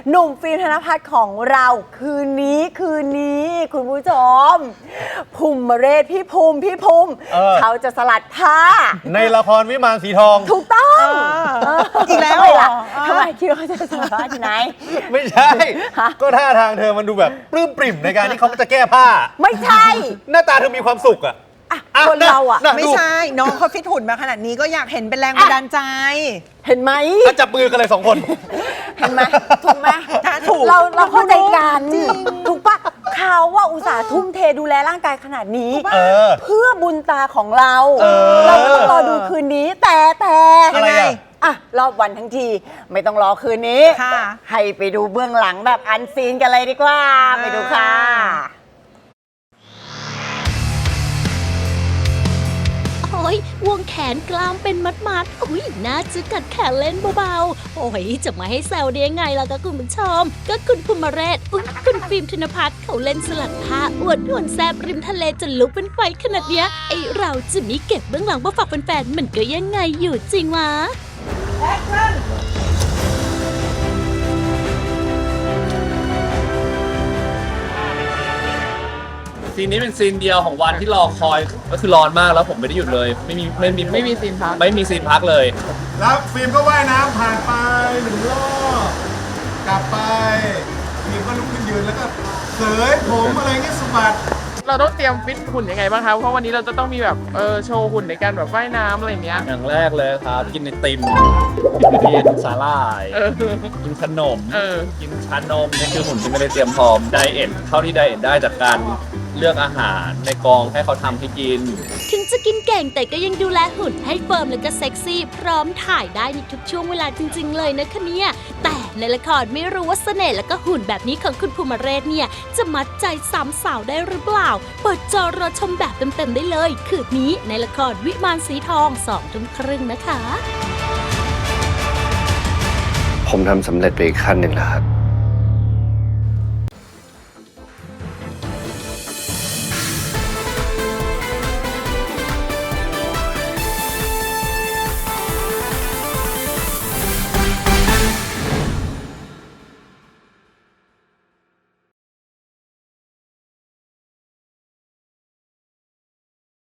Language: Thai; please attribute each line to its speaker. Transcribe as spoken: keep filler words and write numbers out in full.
Speaker 1: หนุ่มฟิล์มธนภัทรของเราคืนนี้คืนนี้คุณผู้ชมภูมิเรศพี่ภูมิพี่ภูมิ
Speaker 2: เออ
Speaker 1: เขาจะสลัดผ้า
Speaker 2: ในละครวิมานสีทอง
Speaker 1: ถูกต้องเออ
Speaker 3: อีกแล้ว
Speaker 1: ทำไม
Speaker 3: เหร
Speaker 1: ล่ะ
Speaker 3: อ
Speaker 1: ทำไมคิดว่าเขาจะสลัดผ้าที่ไหน
Speaker 2: ไม่ใช่
Speaker 1: ฮะ
Speaker 2: ก็ท่าทางเธอมันดูแบบปลื้มปริ่มในการที่เขาจะแก้ผ้า
Speaker 1: ไม่ใช่
Speaker 2: หน้าตาเธอมีความสุขอะ
Speaker 1: อะ
Speaker 2: อ่ะ
Speaker 1: คนเราอะ
Speaker 2: น่ะ
Speaker 3: ไม่ใช่ น้องเขาฟิตหุ่นมาขนาดนี้ก็อยากเห็นเป็นแรงบันดาลใจ
Speaker 1: เห็นไหม
Speaker 2: ก็จับมือกันเลยสองคน
Speaker 1: เห็นไหมถูกไหม
Speaker 3: ถ้าถูก
Speaker 1: เราเราเข้าใจกันถูกปะเขาว่าอุตส่าห์ทุ่มเทดูแลร่างกายขนาดนี้
Speaker 2: เออ
Speaker 1: เพื่อบุญตาของเรา
Speaker 2: เออ
Speaker 1: เราก็ต้องรอดูคืนนี้ แต่แต่
Speaker 2: อะไรอะ
Speaker 1: อ่ะรอบวันทั้งที ไม่ต้องรอคืนนี้
Speaker 3: ค่ะ
Speaker 1: ให้ไปดูเบื้องหลังแบบอันซีนกันเลยดีกว่า ไปดูค่ะ
Speaker 4: โอ้ยวงแขนกล้ามเป็นมัดๆอุ้ยน่าจะกัดแขนเล่นเบาๆ โอ้ยจะมาให้แซวได้ยังไงล่ะก็คุณผู้ชม ก็คุณภูมิเรศอุ้ยคุณฟิล์มธนภัทรเขาเล่นสลัดผ้าอวดหุ่นแซบริมทะเลจนลุกเป็นไฟขนาดเนี้ยไอเราจะมีเก็บเบื้องหลังมาฝากแฟนๆมันก็ยังไงอยู่จริงวะ
Speaker 5: ซีนนี้เป็นซีนเดียวของวันที่รอคอยก็คือร้อนมากแล้วผมไม่ได้หยุดเลย ไม่มีไม่มีไม่มีซีนพักไม่มีซีนพักเลย
Speaker 6: แล้วฟิล์มก็ว่ายน้ำผ่านไปหนึ่งรอบกลับไปฟิล์มก็ลุกขึ้นยืนแล้วก็เสยผมอะไรเงี้ยสะบัด
Speaker 7: เราต้องเตรียมฟิตหุ่นยังไงบ้างครับ เพราะวันนี้เราจะต้องมีแบบเออโชว์หุ่นในการแบบว่ายน้ำอะไรอย่างเงี้ย
Speaker 5: อย่างแรกเลยครับ กินไอติมกินเบียร์สาหร่าย
Speaker 7: เออ
Speaker 5: กินขนม
Speaker 7: เออ
Speaker 5: กินชานมนี่คือหุ่นที่ไม่ได้เตรียมพร้อมไดเอทเท่าที่ไดเอทได้จากการเลือกอาหารในกองให้เขาทำให้กิน
Speaker 4: ถึงจะกินเก่งแต่ก็ยังดูแลหุ่นให้เฟิร์มและก็เซ็กซี่พร้อมถ่ายได้ในทุกช่วงเวลาจริง ๆ เลยนะคะเนี่ยแต่ในละครไม่รู้ว่าเสน่ห์และก็หุ่นแบบนี้ของคุณภูมิเรศเนี่ยจะมัดใจสามสาวได้หรือเปล่าเปิดจอรอชมแบบเต็มๆได้เลยคืนนี้ในละครวิมานสีทองสองทุ่มครึ่งนะคะ
Speaker 8: ผมทำสำเร็จไปอีกขั้นหนึ่งแล้วครับ